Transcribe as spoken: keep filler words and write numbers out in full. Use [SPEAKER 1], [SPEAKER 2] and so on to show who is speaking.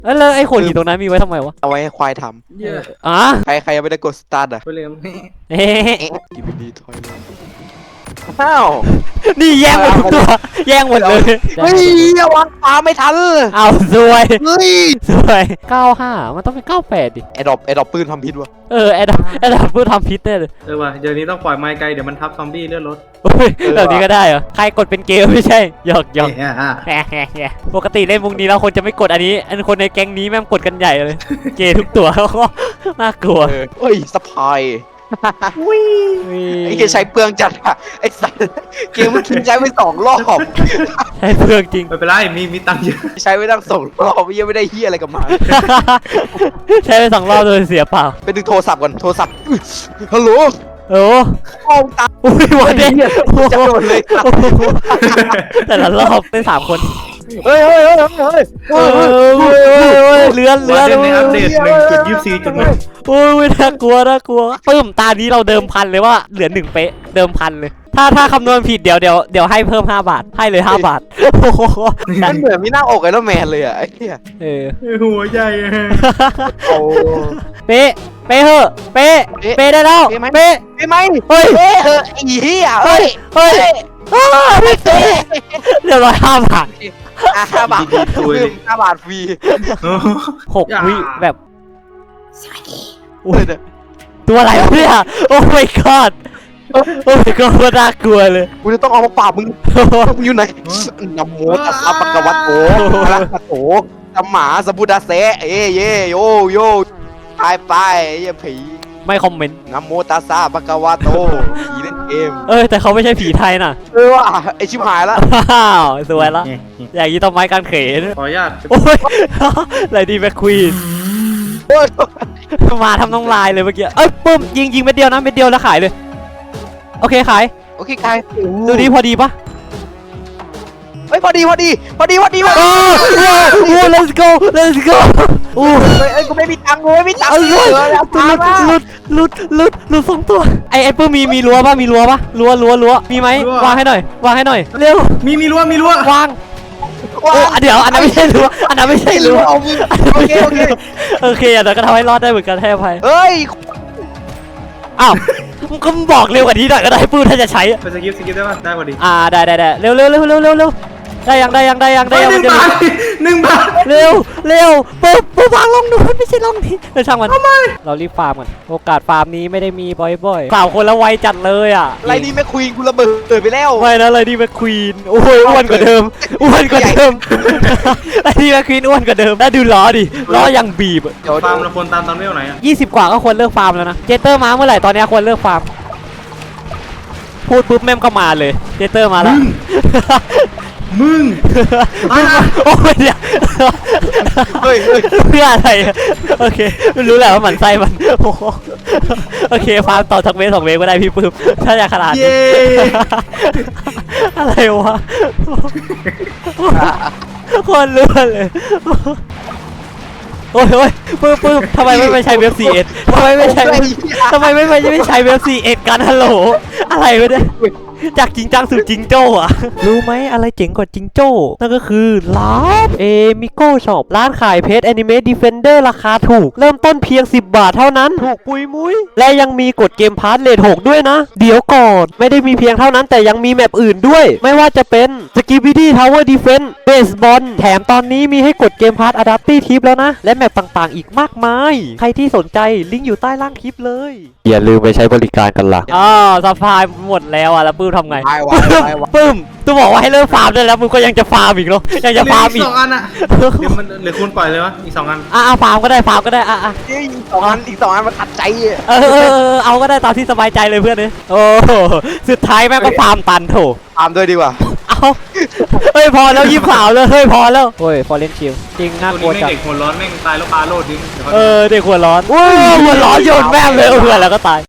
[SPEAKER 1] เออแล้วไอ้ขวดหินตรงนั้นมีไว้ทำไมวะ
[SPEAKER 2] เอาไว้ให้ควายท
[SPEAKER 3] เยอะ
[SPEAKER 1] อ๋อ
[SPEAKER 2] ำใครใครยังไม่ได้กดสตาร์ทอ่ะ
[SPEAKER 3] ไปเลย
[SPEAKER 1] เอ๊ะ
[SPEAKER 2] กินดีถอยเลยอ้าว
[SPEAKER 1] นี่แย่งหมดทุกตัวแย่งหมดเลย
[SPEAKER 2] เฮ้ยวางปลาไม่ทัน
[SPEAKER 1] เอาสวย
[SPEAKER 2] เฮ้ย
[SPEAKER 1] สวยเก้าห้ามันต้องเป็นเก้าแปดดิ
[SPEAKER 2] ไอ้ดอกไอ้ดอกปืนทำพิษวะ
[SPEAKER 1] เออไอ้ดำไอ้ดำพูดทำพิษแน่เลย
[SPEAKER 3] เออว่ะเดี๋ยวนี้ต้องปล่อยไม้ไกลเดี๋ยวมันทับซอมบี้เลือดรถ
[SPEAKER 1] โอ้ยแบบนี้ก็ได้เหรอใครกดเป็นเกมไม่ใช่หยอกหยอก
[SPEAKER 3] เอ่า
[SPEAKER 1] แหมปกติเล่นมุกนี้แล้วคนจะไม่กดอันนี้ อันคนในแก๊งนี้แม่งกดกันใหญ่เลย เกย์ทุกตัว น่ากลัว
[SPEAKER 2] เออเฮ้ยสปายไอ้เกใช้เปลืองจัดอะไอ้สัสเกมมันกินใช้ไปสองรอบ
[SPEAKER 1] ใช่เพื่องจริง
[SPEAKER 3] ไม่เป็นไรมีมีตังค์เยอะ
[SPEAKER 2] ใช้ไปตั้งสองรอบยังไม่ได้เฮียอะไรกับมัน
[SPEAKER 1] ใช้ไปสองรอบโดยเสียเปล่า
[SPEAKER 2] ไปดึงโทรศัพท์ก่อนโทรศัพท์อื้อฮัลโหล
[SPEAKER 1] โอ้
[SPEAKER 2] ห้องตา
[SPEAKER 1] อุ้ยวันนี้
[SPEAKER 2] จะโดนเลยครับ
[SPEAKER 1] แต่ละรอบเป็นสามคน
[SPEAKER 2] เฮ้ยเฮ้ยเฮ้ยเฮ้ย
[SPEAKER 1] เออเว้ยเว้ยเว้ยเลือนเลื
[SPEAKER 3] วั
[SPEAKER 1] อน น
[SPEAKER 3] ในอัปเดตหนึ่งจุดยี่สิบสี่จุดหนึ่ง
[SPEAKER 1] โอ้ยน่ากลัวน่ากลัวปึ้มตานี้เราเดิมพันเลยว่าเหลือหนึ่งเป๊ะเดิมพันเลย ถ้าถ้าคำนวณผิดเดี๋ยวเดี๋ยวเดี๋ยวให้เพิ่มห้าบาทให้เลยห้าบาทโอ้โห
[SPEAKER 2] มันเหมือนมีหน้าอกไอรอนแมนเลยอ่ะไอ้เหี้ย
[SPEAKER 1] เออ
[SPEAKER 3] หัวใหญ่
[SPEAKER 2] โอ้
[SPEAKER 1] เป๊ะเป๊ะเหอะเป๊ะเป๊ะได้แล้วเป๊ะ
[SPEAKER 2] ใช่ไหม
[SPEAKER 1] เฮ้ย
[SPEAKER 2] เฮ้ยเออไอ้เหี้ย
[SPEAKER 1] เฮ้
[SPEAKER 2] เฮ้
[SPEAKER 1] ย
[SPEAKER 2] ย
[SPEAKER 1] เฮ้ยอ้าวไม่เป๊ะเรียบร้อยห้าบาท
[SPEAKER 2] อ่ะห้าบาทห้าบาทฟรี
[SPEAKER 1] หกวิแบบ
[SPEAKER 2] อุ้ย
[SPEAKER 1] ตัวอะไรวะเนี่ยโอ้ my god โอ้ my god ว่าน่ากลัวเลย
[SPEAKER 2] กูจะต้องเอามาปราบมึงมึงอยู่ไหนนะโมตัสสะปะกะวะโตอะระหะโตสัมมาสัมพุทธัสสะเอ้เย่โยโยไปไปไอ้เหี้ยผี
[SPEAKER 1] ไม่คอมเมนต์
[SPEAKER 2] นะโมตัสสะปะกะวะโตผีเล่นเกม
[SPEAKER 1] เออแต่เขาไม่ใช่ผีไทยน่ะ
[SPEAKER 2] เออว่ะไอชิบหายละ
[SPEAKER 1] ว้าวสวยละอย่างนี้ต้องไม้การเขน
[SPEAKER 3] ขออนุญาต
[SPEAKER 1] โอ้ยไรดีแมคควีน
[SPEAKER 2] โอ้ย
[SPEAKER 1] มาทำน้องลายเลยเมื่อกี้เอ้ยปุ้มยิงยิงเม็ดเดียวนะเม็ดเดียวแล้วขายเลยโอเคขาย
[SPEAKER 2] โอเคกาย
[SPEAKER 1] ดูดีพอดีปะ
[SPEAKER 2] เฮ้ยพอดีพอดีพอดีพอดีพอ
[SPEAKER 1] โอ้
[SPEAKER 2] ดี
[SPEAKER 1] โห let's go let's go โอ้
[SPEAKER 2] เฮ้ยเอ้ยกูไม่มีตังค์กูไม่มีตังค์
[SPEAKER 1] เอ้ยหลุด
[SPEAKER 2] เหลือแล้ว
[SPEAKER 1] หลุดหลุดหลุดหลุดหลุดสองตัวไอไอปุ้มมีมีรั้วปะมีรั้วปะรั้วรั้วรั้วมีไหมวางให้หน่อยวางให้หน่อยเร็ว
[SPEAKER 3] มีมีรั้วมีรั้ว
[SPEAKER 1] วางโอ้เดี๋ยวอันนั้นไม่ใช่รั้วอันนั้นไม่ใช่
[SPEAKER 2] ไม่
[SPEAKER 1] รั้
[SPEAKER 2] รู้
[SPEAKER 1] ว
[SPEAKER 2] เอามึงโอเคโอเค
[SPEAKER 1] โอเคอันนั้นก็ทำให้รอดได้เหมือนกันให้อภัย
[SPEAKER 2] เฮ้ย
[SPEAKER 1] อ้าวมึงก็บอกเร็วกว่านี้หน่อยก็ได้ปื้มถ้าจะใช้
[SPEAKER 3] ไปสกิปสกิปได้ป่ะได้พอดี
[SPEAKER 1] อ่าได้ได้ได้เร็วเร็วเร็วเร็วเร็วเร็วได้ยังได้ยังได้ยังได้
[SPEAKER 3] ได้
[SPEAKER 1] ยัง
[SPEAKER 3] หนึ่งบาทหนึ่งบาท
[SPEAKER 1] เร็วเร็วปุ๊บปุ๊บวางลงนู้นไม่ใช่ลงนี้เออช่างมันเรารีบฟาร์มกันโอกาสฟาร์มนี้ไม่ได้มีบ่อยๆสามคนแล้วไวจัดเลยอ่ะ
[SPEAKER 2] ไรนี่แม่ควีนกูระเบิดไปแล้ว
[SPEAKER 1] ไม่นะอะไรดีแมคควีนโอ้ยอ้วนกว่าเดิมอ้วนกว่าเดิมอะไรดีแมคควีนอ้วนกว่าเดิมแล้วดูล้อดิล้อยังบีบ
[SPEAKER 2] เดี๋ยว
[SPEAKER 3] ฟาร์มเราควรตามตามเรื่องไหนอ่ะ
[SPEAKER 1] ยี่สิบกว่าก็ควรเลิกฟาร์มแล้วนะเจเตอร์มาเมื่อไหร่ตอนนี้ควรเลิกฟาร์มพูดปุ๊บแม่มก็มาเลยเจเตอร์มาแล้ว
[SPEAKER 3] มึง
[SPEAKER 1] โอ้ยเนี่ย
[SPEAKER 2] เฮ้ยเฮ้ย
[SPEAKER 1] เพื่ออะไรอะโอเคไม่รู้แหละว่าหมันไส้มันโอ้โหโอเคฟาร์มต่อสักเมตรสองเมตรก็ได้พี่ปื้มถ้าอยากขนาดนี้
[SPEAKER 3] เย้
[SPEAKER 1] อะไรวะคนรู้เลยโอ้ยโอ้ยปื้มปื้มทำไมไม่ไปใช้เว็บ ซี เอส ทำไมไม่ใช้ทำไมไม่ไปไม่ใช้เว็บ ซี เอส กันฮัลโหลอะไรวะเนี่ยจากจริงจังสู่จิงโจ้อะรู้ไหมอะไรเจ๋งกว่าจิงโจ้นั่นก็คือร้านเอมิโก้ช็อปร้านขายเพจแอนิเมะดีเฟนเดอร์ราคาถูก เริ่มต้นเพียงสิบบาทเท่านั้นถูกปุยมุ้ยและยังมีกดเกมพาร์ทเลทหกด้วยนะ เดี๋ยวก่อนไม่ได้มีเพียงเท่านั้นแต่ยังมีแมปอื่นด้วย ไม่ว่าจะเป็นสกิบิดี้ทาวเวอร์ดีเฟนเบสบอลแถมตอนนี้มีให้กดเกมพาร์ทอะดัปตี้ทิปแล้วนะและแมปต่างๆอีกมากมายใครที่สนใจลิงก์อยู่ใต้ล่างคลิปเลยอย่าลืมไปใช้บริการกันล่ะอ๋อสปายหมดแล้วอ่ะแล้วปื้มทำไง
[SPEAKER 2] วายวายวาย
[SPEAKER 1] ปึ้มตูบอกว่าให้เลิกฟาร์มได้แล้วมึงก็ยังจะฟาร์มอีกเหรอยังจะฟาร์ม
[SPEAKER 3] อี
[SPEAKER 1] อี
[SPEAKER 3] ก
[SPEAKER 1] ก
[SPEAKER 3] สองอันอ่ะเดี๋ยวมันเหลือคุณปล่อยเลยวะอีกสองอัน
[SPEAKER 1] อ่ะฟาร์มก็ได้ฟาร์มก็ได้อ่ะอ่ะ
[SPEAKER 2] อีกสองอันอีกสองอันมันตัดใจอ่ะ
[SPEAKER 1] เออเออเออเอาก็ได้ตามที่สบายใจเลยเพื่อนเลยโอ้สุดท้ายแม่งก็ฟาร์มตันโถ
[SPEAKER 2] ตามด้วยดีกว่า
[SPEAKER 1] เอาเฮ้ยพอแล้วยิบสาวเลยเฮ้ยพอแล้วเฮ้ยฟอร์เรนชิลจริงน่ากลั
[SPEAKER 3] ตัว
[SPEAKER 1] ว
[SPEAKER 3] นี้
[SPEAKER 1] จั
[SPEAKER 3] แม่
[SPEAKER 1] ง
[SPEAKER 3] งเด็กหัวร้อนแม่งตายแล้วปลาโลดดิ้ง
[SPEAKER 1] เออเด็กหัวร้อนอุ้ยหัวร้อนโยนแม่งเลยเออเพื่อนแล้วก็ตาย